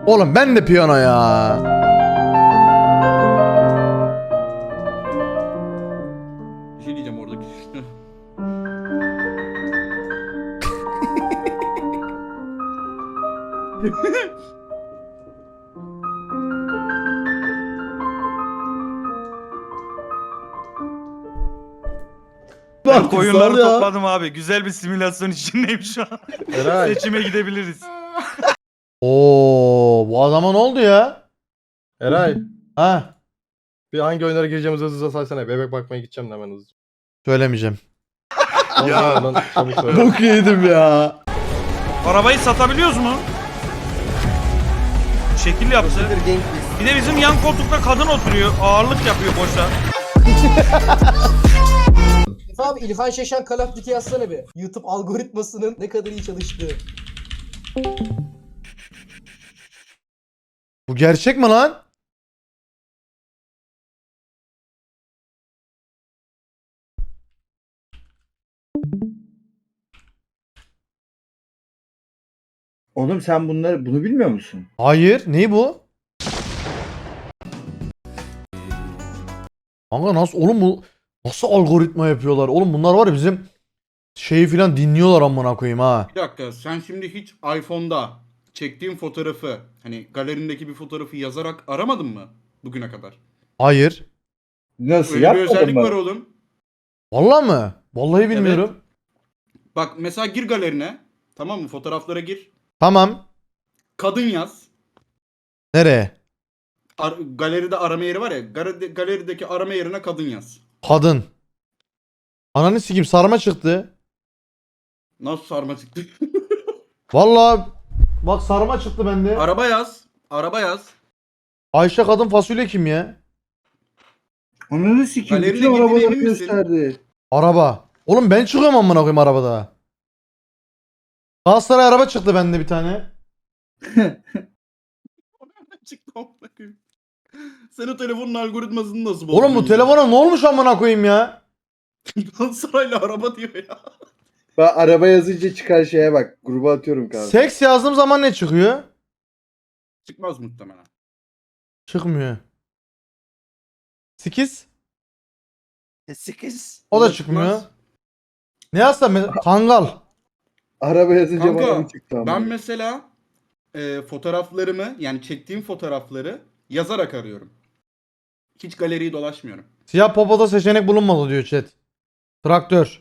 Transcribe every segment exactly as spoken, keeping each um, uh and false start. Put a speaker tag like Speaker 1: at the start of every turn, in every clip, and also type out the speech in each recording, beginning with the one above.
Speaker 1: Oğlum ben de piyano ya.
Speaker 2: Bir şey diyeceğim oradaki.
Speaker 3: Ben koyunları topladım abi. Güzel bir simülasyon içindeyim şu an.
Speaker 4: Eray.
Speaker 3: Seçime gidebiliriz.
Speaker 1: Oo, bu adama ne oldu ya?
Speaker 4: Eray.
Speaker 1: Ha,
Speaker 4: Bir hangi oyunlara gireceğimizi hızlıca saysana. Bebek bakmaya gideceğim de hemen hızlıca.
Speaker 1: söylemeyeceğim.
Speaker 4: Ya. Lan, çabuk söyle.
Speaker 1: Bok yedim ya.
Speaker 3: Arabayı satabiliyoruz mu? Şekil yaptı. Bir de bizim yan koltukta kadın oturuyor. Ağırlık yapıyor boşa.
Speaker 5: Abi İlhan Şeşen Call of Duty yazsana bir. YouTube algoritmasının ne kadar iyi çalıştığı.
Speaker 1: Bu gerçek mi lan?
Speaker 6: Oğlum sen bunları bunu bilmiyor musun?
Speaker 1: Hayır. Neyi bu? Kanka nasıl oğlum bu nasıl algoritma yapıyorlar? Oğlum bunlar var ya bizim şeyi filan dinliyorlar amına koyayım ha.
Speaker 2: Bir dakika, sen şimdi hiç iPhone'da çektiğin fotoğrafı, hani galerindeki bir fotoğrafı yazarak aramadın mı bugüne kadar?
Speaker 1: Hayır.
Speaker 6: Nasıl
Speaker 2: Öyle bir
Speaker 6: yapmadın
Speaker 2: özellik var
Speaker 6: mı?
Speaker 2: oğlum.
Speaker 1: Vallahi mı? Vallahi bilmiyorum.
Speaker 2: Bak mesela gir galerine, tamam mı? Fotoğraflara gir.
Speaker 1: Tamam.
Speaker 2: Kadın yaz.
Speaker 1: Nereye?
Speaker 2: Ar- galeride arama yeri var ya. Galeride, galerideki arama yerine kadın yaz.
Speaker 1: Kadın. Ananı sikeyim sarma çıktı.
Speaker 2: Nasıl sarma çıktı?
Speaker 1: Vallahi bak sarma çıktı bende.
Speaker 2: Araba yaz. Araba yaz.
Speaker 1: Ayşe kadın fasulye kim ya?
Speaker 6: Ananı sikeyim.
Speaker 2: Galerine
Speaker 6: Bütün
Speaker 2: girdiğine
Speaker 6: arabaları
Speaker 2: emin misin?
Speaker 6: gösterdi.
Speaker 1: Araba. Oğlum ben çıkıyorum amına koyayım arabada. Galatasaray araba çıktı bende bir tane.
Speaker 2: Çıktı amına koyayım. Sen o telefonun algoritmasını nasıl bozdun?
Speaker 1: Oğlum bu
Speaker 2: ya?
Speaker 1: telefona ne olmuş amına koyayım ya?
Speaker 2: Galatasaray'la araba diyor ya.
Speaker 6: Ben araba yazınca çıkan şeye bak. Gruba atıyorum kanka.
Speaker 1: Seks yazdığım zaman ne çıkıyor?
Speaker 2: Çıkmaz muhtemelen.
Speaker 1: Çıkmıyor. Sekiz?
Speaker 6: Sekiz.
Speaker 1: O da
Speaker 2: Çıkmaz.
Speaker 1: çıkmıyor. Ne yazsam ben- Kangal.
Speaker 6: Araba yazınca
Speaker 2: Kanka,
Speaker 6: bana mı çıktı ama?
Speaker 2: Ben mesela e, fotoğraflarımı, yani çektiğim fotoğrafları yazarak arıyorum. Hiç galeriyi dolaşmıyorum.
Speaker 1: Siyah popoda seçenek bulunmadı diyor chat. Traktör.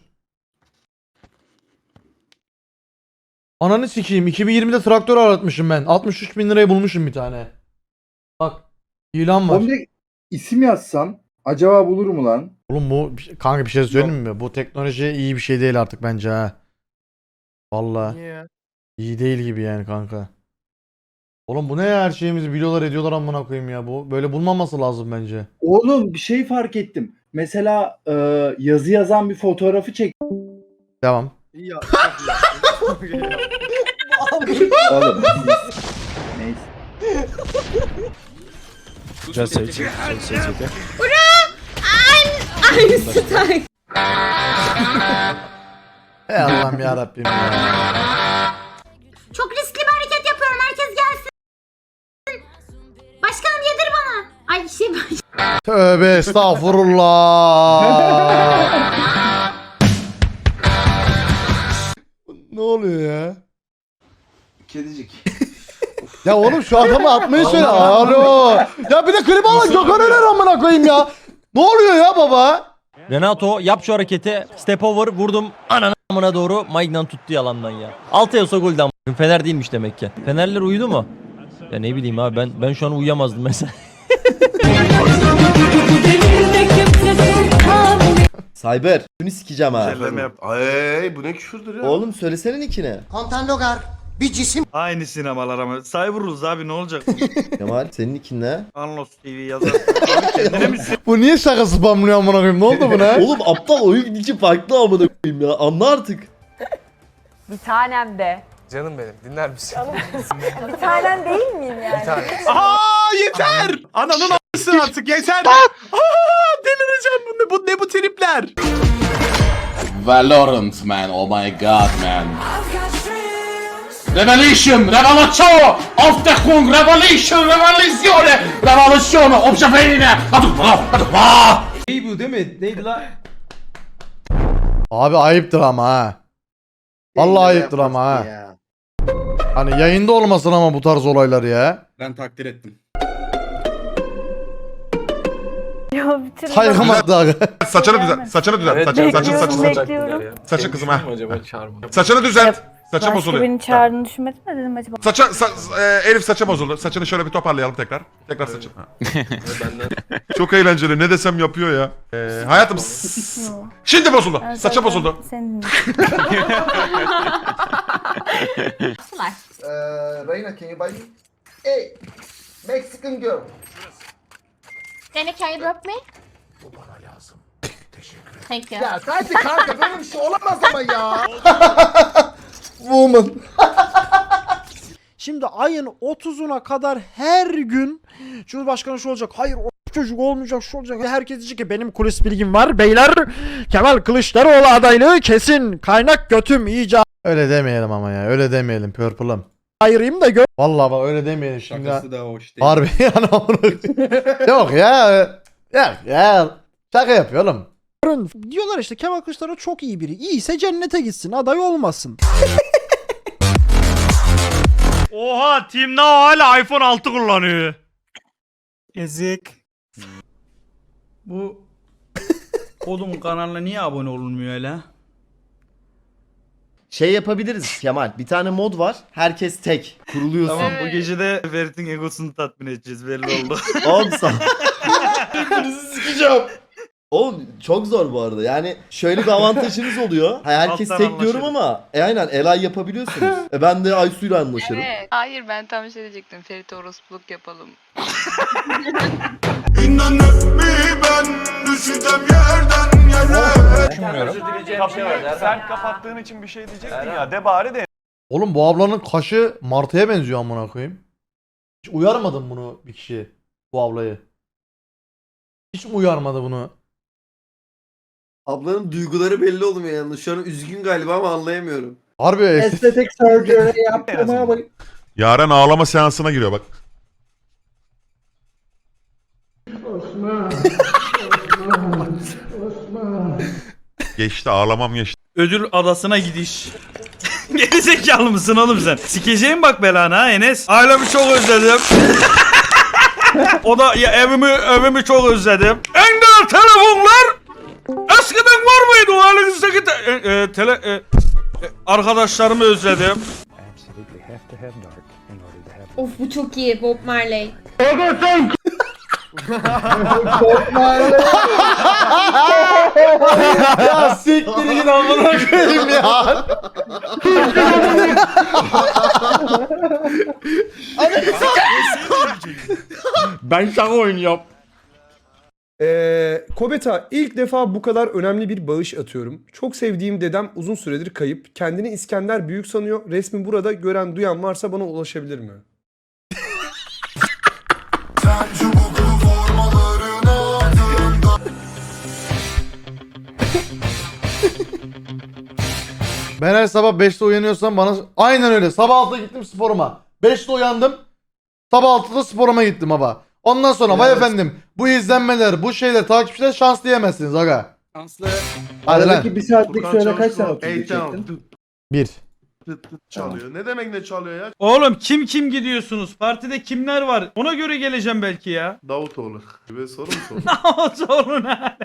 Speaker 1: Ananı sikeyim. iki bin yirmide traktör aratmışım ben. altmış üç bin liraya bulmuşum bir tane. Bak. İlan var.
Speaker 6: Oğlum direkt isim yazsam acaba bulur mu lan?
Speaker 1: Oğlum bu kanka bir şey söyleyeyim mi? Bu teknoloji iyi bir şey değil artık bence ha. Vallahi.
Speaker 4: Niye ya?
Speaker 1: İyi değil gibi yani kanka. Oğlum bu ne ya, her şeyimizi biliyorlar ediyorlar amına koyayım ya bu. Böyle bulmaması lazım bence.
Speaker 6: Oğlum bir şey fark ettim. Mesela e, yazı yazan bir fotoğrafı çek.
Speaker 1: Devam.
Speaker 4: İyi ya.
Speaker 5: Abi.
Speaker 6: Oğlum. Neyse.
Speaker 7: Güzel seç. Güzel seç.
Speaker 8: Einstein.
Speaker 1: Ey Allah'ım ya Rabbim ya.
Speaker 8: Çok riskli bir hareket yapıyorum. Herkes gelsin. Başkanım yedir bana. Ay şey
Speaker 1: Tövbe estağfurullah. Ne oluyor ya?
Speaker 6: Kedicik.
Speaker 1: Ya oğlum şu adamı atmayı söyle. Alo. Ya bir de klip alın Gökhan Öner amına koyayım ya. Ne oluyor ya baba?
Speaker 7: Renato yap şu hareketi. Step over vurdum. Ananı amına doğru. Maignan tuttu yalandan ya. Altı olsa golden a**. Fener değilmiş demek ki. Fenerler uyudu mu? Ya ne bileyim abi ben ben şu an uyuyamazdım mesela.
Speaker 9: Cyber. Bunu sikeceğim ha.
Speaker 3: Güzelleme yap.
Speaker 4: Ay bu ne küfürdür ya?
Speaker 9: Oğlum söylesene nickini.
Speaker 5: Kontan Logar bir cisim.
Speaker 3: Aynı sinemalar ama. Cyberus abi ne olacak?
Speaker 9: Kemal senin nickin ne?
Speaker 3: Anlos T V yazar. Abi kendine mi
Speaker 1: Bu niye şaka spamlıyor amına koyayım? Ne oldu buna?
Speaker 9: Oğlum aptal oyun nicki farklı amına koyayım ya. Anla artık.
Speaker 8: Bir tanem de.
Speaker 4: Canım benim dinler misin?
Speaker 8: Bir tanem değil miyim yani?
Speaker 4: Bir tane.
Speaker 3: Aa yeter! Ananın a**sın artık yeter! Aa, delireceğim bu ne bu ne bu tripler?
Speaker 2: Valorant man, oh my god man.
Speaker 3: Revolution, revolution, auf der Grund, revolution, revolution, revolution, obşafeyine, hadi bak, hadi bak.
Speaker 10: İyi bu değil mi? Neydi la?
Speaker 1: Abi ayıptır ama ha. Vallahi ayıptır ama ha. Hani yayında olmasın ama bu tarz olaylar ya.
Speaker 2: Ben takdir ettim.
Speaker 8: Ya bitir.
Speaker 1: Saygım hakkı abi.
Speaker 11: Saçını düzelt. Saçını düzelt.
Speaker 10: Evet,
Speaker 11: Saçını saçını
Speaker 8: bekliyorum,
Speaker 11: saçını.
Speaker 8: bekliyorum.
Speaker 11: Saçın kızım ha.
Speaker 10: Acaba çağırmadım.
Speaker 11: Saçını düzelt. Saçın
Speaker 8: Başka
Speaker 11: bozuluyor.
Speaker 8: beni çağırdığını düşünmedin mi dedim acaba?
Speaker 11: Saça, sa- e, Elif saça bozuldu. Saçını şöyle bir toparlayalım tekrar. Tekrar saçını. Ha. Çok eğlenceli. Ne desem yapıyor ya. Ee, hayatım. s- Şimdi bozuldu.
Speaker 8: Ben
Speaker 11: Saça
Speaker 8: zaten
Speaker 11: bozuldu.
Speaker 8: Seni
Speaker 6: Reyna, can you buy me? Hey, Mexican girl.
Speaker 8: Can you drop me? Bu bana lazım. Teşekkür ederim. Thank you.
Speaker 6: Ya hadi kanka böyle bir şey olamaz ama ya.
Speaker 1: Woman.
Speaker 10: Şimdi ayın otuzuna kadar her gün Cumhurbaşkanı şu olacak. Hayır o çocuk olmayacak, şu olacak. Herkes diyecek ki benim kulis bilgim var. Beyler Kemal Kılıçdaroğlu adaylığı kesin. Kaynak götüm iyice
Speaker 1: Öyle demeyelim ama ya. Öyle demeyelim Purple'ım.
Speaker 10: ayırayım da gör.
Speaker 1: Vallahi bak öyle demeyelim şimdi.
Speaker 2: Şakası da hoş değil.
Speaker 1: Harbi yani onu. Yok ya. Yok ya. Şaka yapıyor oğlum.
Speaker 10: Diyorlar işte Kemal Kılıçdaroğlu çok iyi biri. İyiyse cennete gitsin, aday olmasın.
Speaker 3: Oha, Team Now hala iPhone altı kullanıyor.
Speaker 10: Ezik.
Speaker 3: Bu Kodum kanalına niye abone olunmuyor öyle?
Speaker 9: Şey yapabiliriz Kemal. Bir tane mod var. Herkes tek. Kuruluyorsun.
Speaker 3: Tamam, bu gece de Ferit'in egosunu tatmin edeceğiz, belli oldu.
Speaker 9: Oğlum sağ. Birbirinizi sikeceğim. Oğlum çok zor bu arada. Yani şöyle bir avantajınız oluyor. Ha, herkes
Speaker 3: Alttan
Speaker 9: tek diyorum
Speaker 3: anlaşırız.
Speaker 9: ama e aynen Elay yapabiliyorsunuz. E ben de Aysu'yla anlaşırım.
Speaker 8: Evet. Hayır ben tam şey diyecektim. Ferit orospuluk yapalım.
Speaker 3: Sen kapattığın için bir şey diyecektin ya, de bari de.
Speaker 1: Oğlum bu ablanın kaşı martıya benziyor amına koyayım. Hiç uyarmadın bunu bir kişi. Bu ablayı. Hiç mi uyarmadı bunu?
Speaker 9: Ablanın duyguları belli olmuyor yalnız. Şu an üzgün galiba ama anlayamıyorum.
Speaker 1: Harbi estetik.
Speaker 6: Estetik surgery yaptım ama.
Speaker 11: Yaren ağlama seansına giriyor bak. Geçti, ağlamam geçti.
Speaker 3: Ödül adasına gidiş. Gerizekalı mısın oğlum sen? Sikeceğim bak belanı ha Enes. Ailemi çok özledim. O da ya evimi evimi çok özledim. En değerli telefonlar eskiden var mıydı o halinizdeki te, e, e, tele e, e, arkadaşlarımı özledim.
Speaker 8: Of bu çok iyi Bob Marley.
Speaker 1: Ya siktir git amına koyayım ya.
Speaker 3: Ben şaka oynuyorum.
Speaker 10: Ee, Kobeta ilk defa bu kadar önemli bir bağış atıyorum. Çok sevdiğim dedem uzun süredir kayıp. Kendini İskender Büyük sanıyor. Resmi burada gören duyan varsa bana ulaşabilir mi?
Speaker 1: Ben her sabah beşte uyanıyorsam bana... Aynen öyle. Sabah altıda gittim sporuma. beşte uyandım. Sabah altıda sporuma gittim baba. Ondan sonra vay efendim bu izlenmeler, bu şeyler, takipçiler şans diyemezsiniz aga.
Speaker 2: Şanslı.
Speaker 1: Hadi lan.
Speaker 6: Aradaki bir saatlik sürede kaç tane otuz çektin?
Speaker 1: Bir.
Speaker 11: Çalıyor. Ne demek ne çalıyor ya?
Speaker 3: Oğlum kim kim gidiyorsunuz? Partide kimler var? Ona göre geleceğim belki ya.
Speaker 11: Davutoğlu. Ve soru mu soru?
Speaker 3: Sorun ha.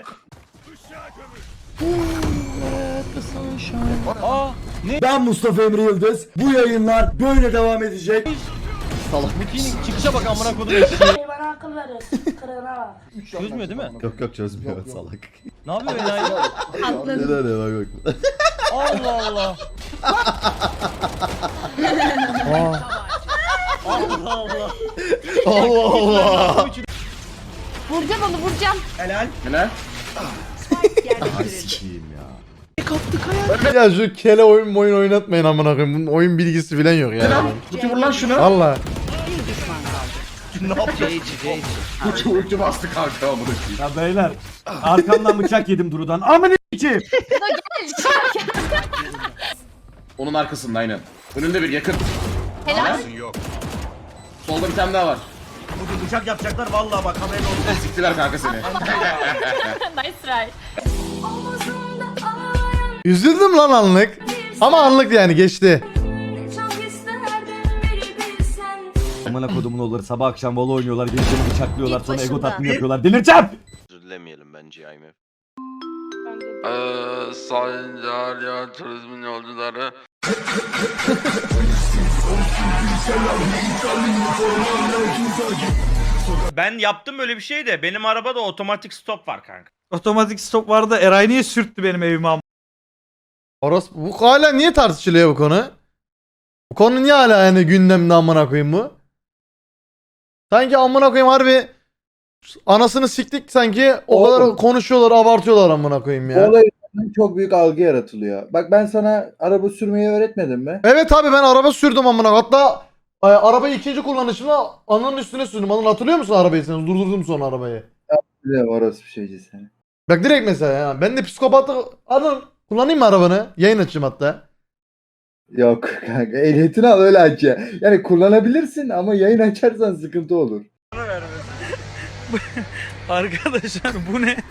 Speaker 6: Ben Mustafa Emre Yıldız. Bu yayınlar böyle devam edecek.
Speaker 7: Çıkışa bak amına kodum eşeği.
Speaker 8: Bana akıl verin. Kırına bak.
Speaker 7: Çözmüyor değil mi?
Speaker 9: Yok yok çözmüyor salak.
Speaker 7: Ne yapıyor enayi?
Speaker 8: Atladım.
Speaker 9: Ne ne bak bak.
Speaker 7: Allah Allah. Allah Allah.
Speaker 1: Allah Allah.
Speaker 8: Vuracağım onu vuracağım.
Speaker 1: Ya şu kele oyun oyun oynatmayın amına koyayım. Bunun oyun bilgisi falan yok yani.
Speaker 2: Tutu vur lan şunu.
Speaker 1: Valla.
Speaker 2: Uçu bastı kanka amına.
Speaker 10: Ya beyler arkamdan bıçak yedim Duru'dan. Amına içi.
Speaker 2: Onun arkasında aynen. Önünde bir yakın.
Speaker 8: Helal.
Speaker 2: Solda bir tane daha var.
Speaker 3: Bugün uçak yapacaklar vallahi bak haberin olsun.
Speaker 2: Siktiler kanka seni.
Speaker 8: Nice try.
Speaker 1: Üzüldüm lan anlık. Ama anlık yani geçti.
Speaker 6: Amına kodumun oğulları sabah akşam vola oynuyorlar, gençleri bıçaklıyorlar, sonra ego tatmin yapıyorlar. Delireceğim!
Speaker 12: Özür dilemeyelim bence I M F.
Speaker 3: Eee Sayın Cahiliye Turizmin yolcuları.
Speaker 13: Ben yaptım böyle bir şey de benim arabada otomatik stop var kanka.
Speaker 3: Otomatik stop vardı. Eray niye sürttü benim evime am-
Speaker 1: Orası bu hala niye tartışılıyor bu konu? Bu konu niye hala yani gündemde amına koyayım bu? Sanki amına koyayım harbi anasını siktik sanki o
Speaker 6: Oğlum.
Speaker 1: kadar konuşuyorlar abartıyorlar amına koyayım
Speaker 6: Bu
Speaker 1: ya.
Speaker 6: olay yüzünden çok büyük algı yaratılıyor. Bak ben sana araba sürmeyi öğretmedim mi?
Speaker 1: Evet abi ben araba sürdüm amına hatta e, arabayı ikinci kullanışımda ananın üstüne sürdüm. Anıl hatırlıyor musun arabayı sen? Durdurdum sonra arabayı.
Speaker 6: Biliyorum orası bir şeyci seni.
Speaker 1: Bak direkt mesela ya ben de psikopatlık Anıl kullanayım mı arabanı? Yayın açayım hatta.
Speaker 6: Yok kanka ehliyetini al öyle aç ya. Yani kullanabilirsin ama yayın açarsan sıkıntı olur.
Speaker 3: Arkadaşlar bu ne?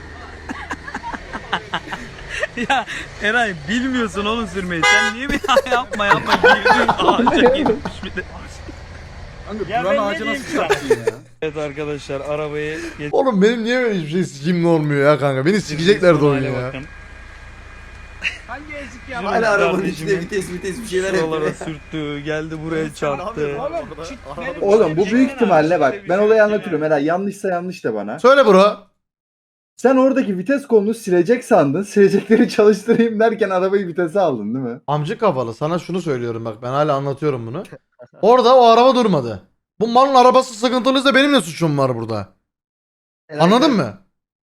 Speaker 3: Ya Eray bilmiyorsun oğlum sürmeyi. Sen niye bir yapma yapma girdin ağaca girmiş bir de.
Speaker 2: Kanka
Speaker 13: Ya
Speaker 2: duran
Speaker 13: ben ne
Speaker 2: ağacı
Speaker 13: diyeyim
Speaker 2: nasıl
Speaker 13: sana?
Speaker 2: çarptın ya?
Speaker 3: Evet arkadaşlar arabayı geç.
Speaker 1: Oğlum benim niye böyle hiçbir şey sikimli olmuyor ya kanka? Beni sikecekler de oyunu ya.
Speaker 3: Hangi ezik
Speaker 12: ya? Hala arabanın içinde vites vites bir şeyler
Speaker 3: Şuralara
Speaker 12: yapıyor.
Speaker 3: sürttü, geldi buraya çarptı.
Speaker 6: Oğlum bu büyük ihtimalle bak ben olayı anlatıyorum. Herhalde yanlışsa yanlış da bana.
Speaker 1: Söyle bro.
Speaker 6: Sen oradaki vites kolunu silecek sandın. Silecekleri çalıştırayım derken arabayı vitese aldın değil mi?
Speaker 1: Amcık kafalı sana şunu söylüyorum bak ben hala anlatıyorum bunu. Orada o araba durmadı. Bu malın arabası sıkıntılıysa benim ne suçum var burada? Anladın mı?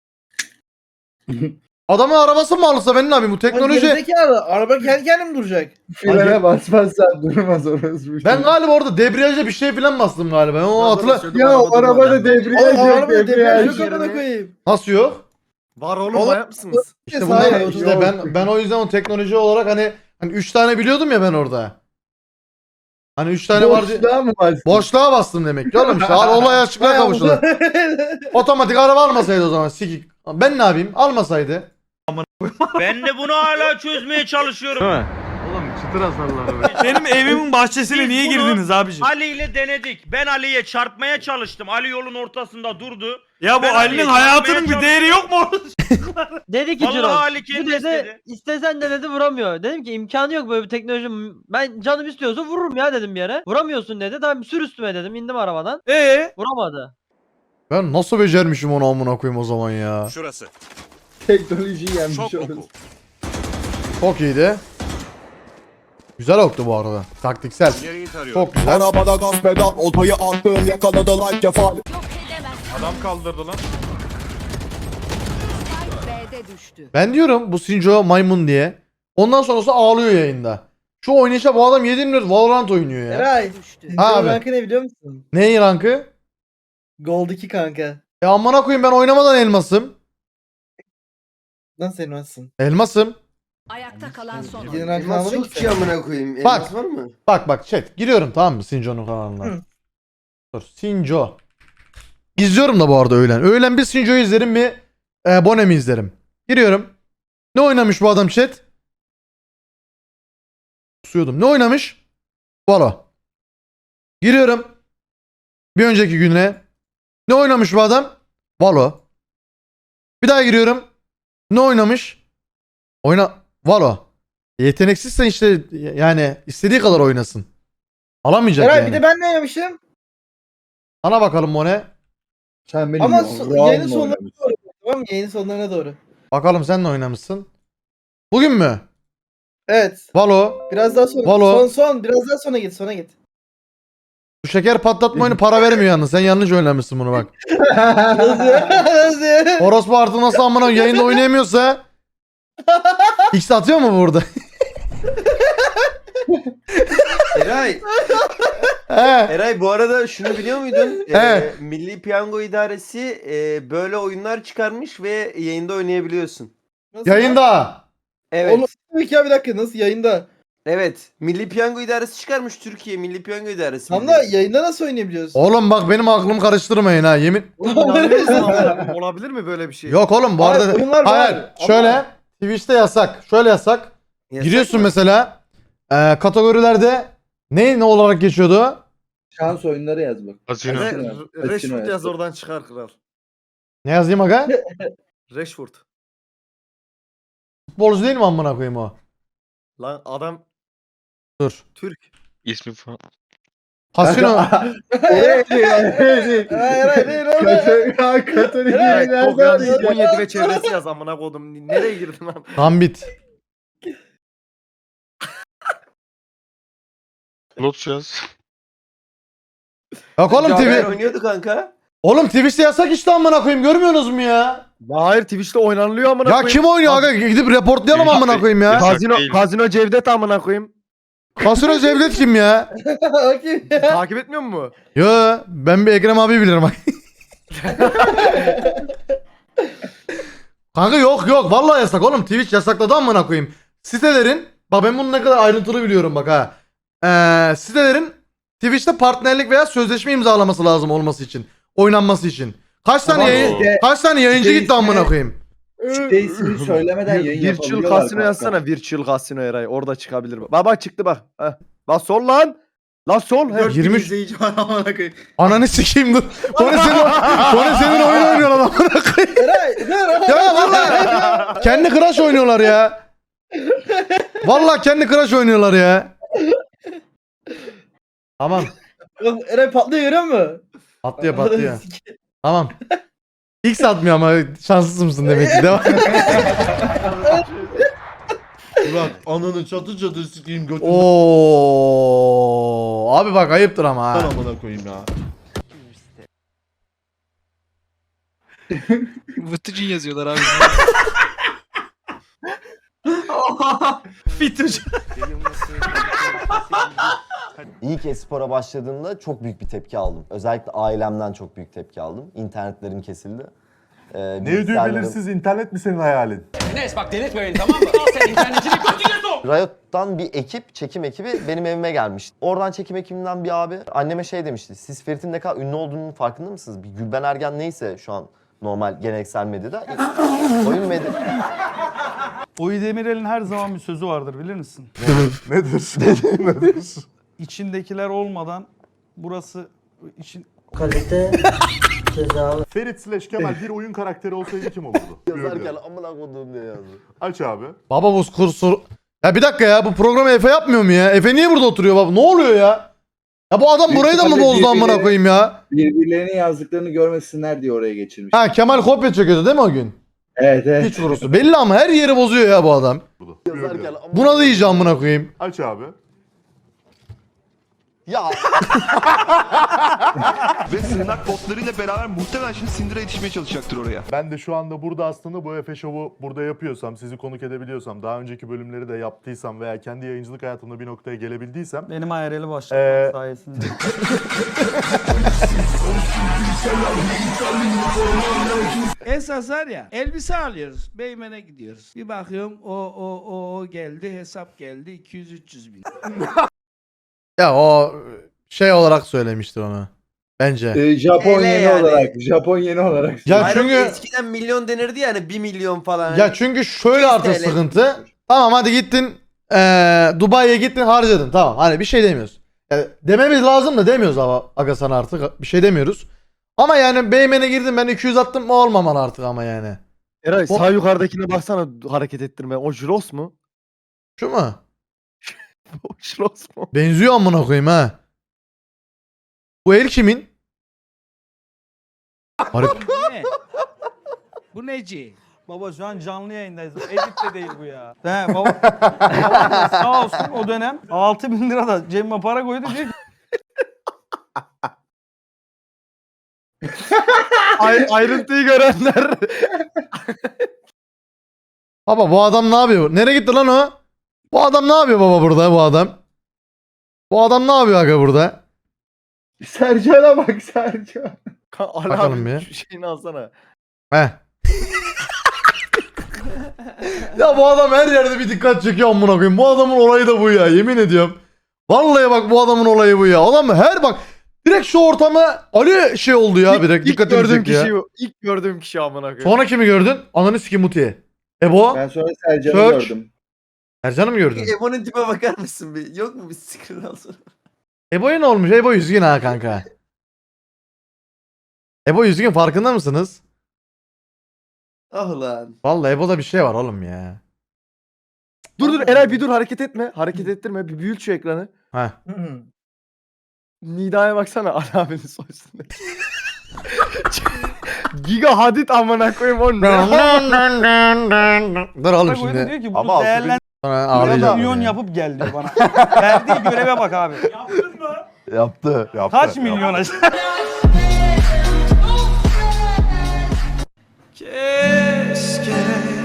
Speaker 1: Adamın arabası mı alırsa ben ne yapayım bu teknoloji?
Speaker 5: Araba kendi kendine mi duracak?
Speaker 6: Frene basmazsan durmaz orası.
Speaker 1: Ben galiba orada debriyaja bir şey falan bastım galiba. Ben onu hatırla.
Speaker 6: Ya o arabada debriyaj yok debriyaj.
Speaker 5: koyayım.
Speaker 1: Nasıl yok?
Speaker 10: Var oğlum,
Speaker 5: Oğlum,
Speaker 10: manyak mısınız?
Speaker 1: İşte
Speaker 5: Sağ
Speaker 1: bunlar
Speaker 5: ol,
Speaker 1: işte
Speaker 5: doğru.
Speaker 1: ben ben o yüzden o teknoloji olarak hani hani üç tane biliyordum ya ben orada. Hani üç tane vardı.
Speaker 6: Boşluğa mı bastın?
Speaker 1: Boşluğa bastım demek ki oğlum işte. Al olay açıklığa kavuştu. Otomatik araba almasaydı o zaman sikik. Ben ne yapayım? Almasaydı.
Speaker 13: Ben de bunu hala çözmeye çalışıyorum.
Speaker 3: Oğlum çıtır hasarlar. Benim evimin bahçesine
Speaker 13: Biz
Speaker 3: niye
Speaker 13: bunu-
Speaker 3: girdiniz abiciğim?
Speaker 13: Ali ile denedik. Ben Ali'ye çarpmaya çalıştım. Ali yolun ortasında durdu.
Speaker 3: Ya bu
Speaker 13: Ben
Speaker 3: Ali'nin
Speaker 13: Ali'ye
Speaker 3: hayatının
Speaker 13: çarpmaya
Speaker 3: bir değeri yok mu?
Speaker 7: Dedi ki
Speaker 13: Vallahi
Speaker 7: Ciro,
Speaker 13: Ali kendi
Speaker 7: bu dedi
Speaker 13: istedi.
Speaker 7: istesen de dedi vuramıyor. Dedim ki imkanı yok böyle bir teknoloji. Ben canım istiyorsa vururum ya dedim bir yere. Vuramıyorsun dedi. Tamam sür üstüme dedim. İndim arabadan.
Speaker 3: Ee?
Speaker 7: Vuramadı.
Speaker 1: Ben nasıl becermişim onu amına koyayım o zaman ya.
Speaker 12: Şurası.
Speaker 6: Teknolojiyi yenmiş orası.
Speaker 1: Çok iyiydi. Güzel oktu bu arada. Taktiksel.
Speaker 12: Nereyi tarıyor?
Speaker 1: Çok güzel.
Speaker 10: Arabada gaz pedal, oltayı attım, yakaladı like kefal.
Speaker 11: Adam kaldırdı lan.
Speaker 1: Ben diyorum bu Sinjo maymun diye. Ondan sonrası ağlıyor yayında. Şu oynayışa bu adam yedi milyon Valorant oynuyor ya.
Speaker 5: Eray.
Speaker 1: Ha abi.
Speaker 5: Rankı ne biliyor musun?
Speaker 1: Neyin rankı?
Speaker 5: Gold iki kanka.
Speaker 1: Ya amına koyayım ben oynamadan elmasım.
Speaker 5: Nasıl elmasın?
Speaker 1: Elmasım.
Speaker 8: Ayakta kalan son.
Speaker 5: Yeni rankı almadın ki sen.
Speaker 12: amına koyayım.
Speaker 1: Bak.
Speaker 12: Elmas var mı?
Speaker 1: Bak bak chat giriyorum tamam mı Sinjo'nun kanalına.
Speaker 5: Hı.
Speaker 1: Dur Sinjo. İzliyorum da bu arada öğlen. Öğlen bir Sinjo'yu izlerim bir e, Bonem'i izlerim. Giriyorum. Ne oynamış bu adam chat? Kusuyordum. Ne oynamış? Valo. Giriyorum. Bir önceki güne. Ne oynamış bu adam? Valo. Bir daha giriyorum. Ne oynamış? Oyna Valo. Yeteneksizsen işte yani istediği kadar oynasın. Alamayacak
Speaker 5: Eray
Speaker 1: yani.
Speaker 5: bir de ben ne oynamışım?
Speaker 1: Ana bakalım o ne?
Speaker 6: Sen benim
Speaker 5: Ama
Speaker 6: yo-
Speaker 5: so-
Speaker 6: Raul'la
Speaker 5: yayının sonlarına
Speaker 6: oynamışsın.
Speaker 5: doğru. Tamam mı? Yayının sonlarına doğru.
Speaker 1: Bakalım sen ne oynamışsın? Bugün mü?
Speaker 5: Evet.
Speaker 1: Valo.
Speaker 5: Biraz daha sonra.
Speaker 1: Valo.
Speaker 5: Son son. Biraz daha sonra git. Sonra git.
Speaker 1: Bu şeker patlatma oyunu para vermiyor yalnız. Sen yanlış oynamışsın bunu bak.
Speaker 5: Nasıl? Nasıl?
Speaker 1: Orospu artık nasıl amına yayında oynayamıyorsa X atıyor mu burada?
Speaker 12: Eray.
Speaker 1: He.
Speaker 12: Eray bu arada şunu biliyor muydun?
Speaker 1: Evet.
Speaker 12: Ee, Milli Piyango İdaresi e, böyle oyunlar çıkarmış ve yayında oynayabiliyorsun.
Speaker 5: Nasıl?
Speaker 1: Yayında.
Speaker 12: Evet.
Speaker 5: Oğlum tabii ki ya bir dakika. Nasıl yayında?
Speaker 12: Evet. Milli Piyango İdaresi çıkarmış Türkiye Milli Piyango İdaresi.
Speaker 9: Tam da yayında nasıl oynayabiliyoruz?
Speaker 1: Oğlum bak benim aklımı karıştırmayın ha yemin.
Speaker 4: Olabilir mi böyle bir şey?
Speaker 1: Yok oğlum bu
Speaker 6: Hayır,
Speaker 1: arada.
Speaker 6: oyunlar
Speaker 1: Hayır,
Speaker 6: var ama-
Speaker 1: şöyle Twitch'te yasak. Şöyle yasak.
Speaker 12: Yasak
Speaker 1: Giriyorsun
Speaker 12: mı?
Speaker 1: mesela e, kategorilerde ne ne olarak geçiyordu?
Speaker 6: Şans oyunları yaz bak.
Speaker 11: Casino.
Speaker 6: Casino.
Speaker 4: Rashford yaz oradan çıkar kral.
Speaker 1: Ne yazayım aga?
Speaker 4: Rashford.
Speaker 1: Futbolcu değil mi amına koyayım o?
Speaker 4: Lan adam
Speaker 1: Dur.
Speaker 4: Türk.
Speaker 11: İsmi falan.
Speaker 1: Casino.
Speaker 6: Oraya değil, oraya değil.
Speaker 9: Hayır hayır değil oğlum.
Speaker 6: Katolik, Katolik
Speaker 4: Evet,
Speaker 6: nereden
Speaker 4: çok yanlış.
Speaker 6: diyeceğim?
Speaker 4: on yedi ve çevresi yaz amına kodum. Nereye girdin lan?
Speaker 1: Gambit.
Speaker 11: Lotus yaz.
Speaker 1: Yok oğlum
Speaker 12: Caner
Speaker 1: T V.
Speaker 12: oynuyordu kanka.
Speaker 1: Oğlum Twitch'te yasak işte amına koyayım görmüyorsunuz mu ya?
Speaker 4: Hayır Twitch'te oynanılıyor amına
Speaker 1: Ya
Speaker 4: koyayım.
Speaker 1: kim oynuyor aga? Gidip reportlayalım
Speaker 11: Yasak
Speaker 1: amına koyayım ya.
Speaker 11: değil.
Speaker 4: Kazino,
Speaker 11: değil.
Speaker 4: Kazino Cevdet amına koyayım.
Speaker 1: Casino Cevdet kim ya?
Speaker 9: Bakayım ya.
Speaker 4: Takip etmiyor mu?
Speaker 1: Yo ben bir Ekrem abi bilirim bak. Kanka yok yok vallahi yasak oğlum Twitch yasakladı amına koyayım. Sitelerin bak ben bunu ne kadar ayrıntılı biliyorum bak ha. Ee, sitelerin Twitch'te partnerlik veya sözleşme imzalaması lazım olması için. Oynanması için. Kaç tane
Speaker 6: Tamam,
Speaker 1: yayın,
Speaker 6: işte-
Speaker 1: kaç tane yayıncı
Speaker 6: işte
Speaker 1: gitti amına
Speaker 6: ismi-
Speaker 1: koyayım.
Speaker 6: İşte ismini söylemeden yayın
Speaker 4: Virtual
Speaker 6: yapabiliyorlar.
Speaker 4: Casino
Speaker 6: kanka.
Speaker 4: yazsana. Virtual Casino Eray. Orada çıkabilir. Bak bak çıktı bak. Heh. Lan sol lan. Lan sol. Heh.
Speaker 2: dört bin
Speaker 1: yirmi üç
Speaker 2: izleyici var amına koyayım.
Speaker 1: Ananı sikeyim dur. Kone senin, Kone senin oyun oynuyorlar amına koyayım.
Speaker 9: Eray dur.
Speaker 1: Ya vallahi kendi Crash oynuyorlar ya. Vallahi kendi Crash oynuyorlar ya. Tamam.
Speaker 9: Eray patlıyor görüyor musun?
Speaker 1: Patlıyor patlıyor. Tamam. X atmıyor ama şanssız mısın demek ki. Devam.
Speaker 9: Burak ananı çatı çatı sikeyim götünü.
Speaker 1: Oo. Abi bak ayıptır ama ha.
Speaker 9: Amına koyayım ya.
Speaker 3: Vıtıcın yazıyorlar abi. Fitucu.
Speaker 9: İlk espora başladığımda çok büyük bir tepki aldım. Özellikle ailemden çok büyük tepki aldım. İnternetlerim kesildi. Ee,
Speaker 11: Ne ödüğü belirsiz internet mi senin hayalin?
Speaker 13: Enes bak delirtme beni tamam mı? Al sen internetini götüne sok.
Speaker 9: Riot'tan bir ekip, çekim ekibi benim evime gelmişti. Oradan çekim ekibinden bir abi anneme şey demişti. Siz Ferit'in ne kadar ünlü olduğunun farkında mısınız? Bir Gülben Ergen neyse şu an normal geleneksel medyada. Oyun medya...
Speaker 3: Oyu Demirel'in her zaman bir sözü vardır bilir misin?
Speaker 11: Nedir? Nedir?
Speaker 3: İçindekiler olmadan burası için
Speaker 5: Kalite cezalı.
Speaker 11: Ferit slash Kemal bir oyun karakteri olsaydı kim olurdu?
Speaker 9: Yazarken amına koduğum diye yazdı.
Speaker 11: Aç abi.
Speaker 1: Baba bu kursur. Ya bir dakika ya bu programı Efe yapmıyor mu ya? Efe niye burada oturuyor baba? Ne oluyor ya? Ya bu adam burayı da mı bozdu amına koyayım ya?
Speaker 6: Birbirlerinin yazdıklarını görmesinler diye oraya geçirmiş.
Speaker 1: Ha Kemal kopya çekiyordu değil mi o gün?
Speaker 6: Evet evet.
Speaker 1: Hiç vurusu. Belli ama her yeri bozuyor ya bu adam.
Speaker 9: Yazarken amına
Speaker 1: Buna da iyice amına koyayım.
Speaker 11: Aç abi.
Speaker 9: Ya
Speaker 14: Ve sığınak botlarıyla beraber muhtemelen şimdi Syndra'ya yetişmeye çalışacaktır oraya.
Speaker 11: Ben de şu anda burada aslında bu Efe Show'u burada yapıyorsam, sizi konuk edebiliyorsam, daha önceki bölümleri de yaptıysam veya kendi yayıncılık hayatımda bir noktaya gelebildiysem
Speaker 3: benim I R L'i başlattım
Speaker 11: Ee,
Speaker 3: sayesinde. Esas var ya elbise alıyoruz. Beymen'e gidiyoruz. Bir bakıyorum o o o, o geldi hesap geldi iki yüz üç yüz bin.
Speaker 1: Ya o şey olarak söylemiştir onu. Bence.
Speaker 6: Ee, Japon
Speaker 12: Öyle
Speaker 6: yeni
Speaker 12: yani.
Speaker 6: olarak. Japon yeni olarak.
Speaker 1: Ya
Speaker 12: Hayır,
Speaker 1: çünkü
Speaker 12: eskiden milyon denirdi yani bir milyon falan.
Speaker 1: ya çünkü şöyle artık
Speaker 12: yüz T L.
Speaker 1: sıkıntı. Tamam hadi gittin eee Dubai'ye gittin harcadın. Tamam hani bir şey demiyoruz. Yani dememiz lazım da demiyoruz ama aga sana artık bir şey demiyoruz. Ama yani Beymen'e girdim ben iki yüz attım mı olmamalı artık ama yani.
Speaker 4: Eray sağ yukarıdakine baksana hareket ettirme. O Jiros mu?
Speaker 1: Şu mu?
Speaker 4: O Jiros mu?
Speaker 1: Benziyor amına koyayım ha. Bu el kimin? Garip.
Speaker 3: Bu ne? Bu neci? Baba şu an canlı yayındayız. Edit de değil bu ya. He baba. baba sağ olsun o dönem altı bin lira da cebime para koydu diyor ki
Speaker 4: Ay, ayrıntıyı görenler.
Speaker 1: Baba bu adam ne yapıyor? Nereye gitti lan o? Bu adam ne yapıyor baba burada bu adam? Bu adam ne yapıyor aga burada?
Speaker 6: Sercan'a bak Sercan.
Speaker 4: Ali
Speaker 1: Bakalım
Speaker 4: abi
Speaker 1: bir.
Speaker 4: şu şeyini alsana.
Speaker 1: Heh. Ya bu adam her yerde bir dikkat çekiyor amına koyayım. Bu adamın olayı da bu ya, yemin ediyorum. Vallahi bak bu adamın olayı bu ya. Adam her bak direkt şu ortama Ali şey oldu ya, direkt
Speaker 4: İlk
Speaker 1: dikkatimi
Speaker 4: gördüğüm
Speaker 1: çekti ya.
Speaker 4: kişi bu. İlk gördüğüm kişi amına koyayım.
Speaker 1: Sonra kimi gördün? Ananı sikim Muti'ye. Ebo?
Speaker 6: Ben sonra Sercan'ı
Speaker 1: Search.
Speaker 6: gördüm.
Speaker 1: Ercan'ı mı gördün?
Speaker 12: Ebo'nun tipe bakar mısın bir? Yok mu bir screen alsana?
Speaker 1: Ebo'ya ne olmuş? Ebo üzgün ha kanka. Ebo üzgün, farkında mısınız?
Speaker 12: Ah lan.
Speaker 1: Vallahi Ebo'da bir şey var oğlum ya.
Speaker 4: Dur dur Eray bir dur, hareket etme. Hareket ettirme. Bir büyült şu ekranı.
Speaker 1: Heh.
Speaker 4: Nida'ya baksana Ali abinin soy üstünde. Giga Hadid amına koyayım onu.
Speaker 1: Dur oğlum
Speaker 3: Bak oyunda
Speaker 1: şimdi.
Speaker 3: diyor ki
Speaker 9: Ama
Speaker 3: bunu
Speaker 9: altı
Speaker 3: değerlendir.
Speaker 1: Sonra ağlayacağım.
Speaker 3: Milyon
Speaker 1: ya.
Speaker 3: yapıp gel diyor bana. Verdiği göreve bak abi.
Speaker 9: Yaptı. yaptı.
Speaker 3: Kaç milyon aşağı? Keşke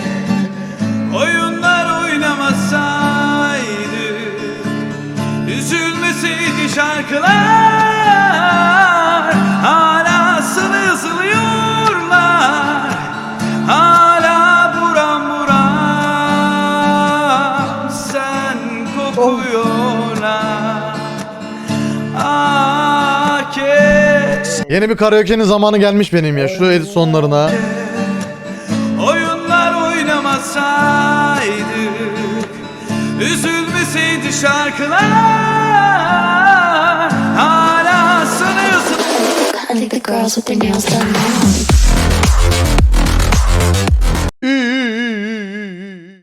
Speaker 3: oyunlar oynamasaydı, üzülmeseydi şarkılar, hala sızlıyorlar, hala buram buram sen kokuyorlar. Ah keşke
Speaker 1: Yeni bir karaoke'nin zamanı gelmiş benim ya. Şu edit sonlarına.
Speaker 3: oyunlar oynamasaydık, üzülmeseydi şarkılar, hala sanıyorsun.
Speaker 8: I think the girls with their nails done now.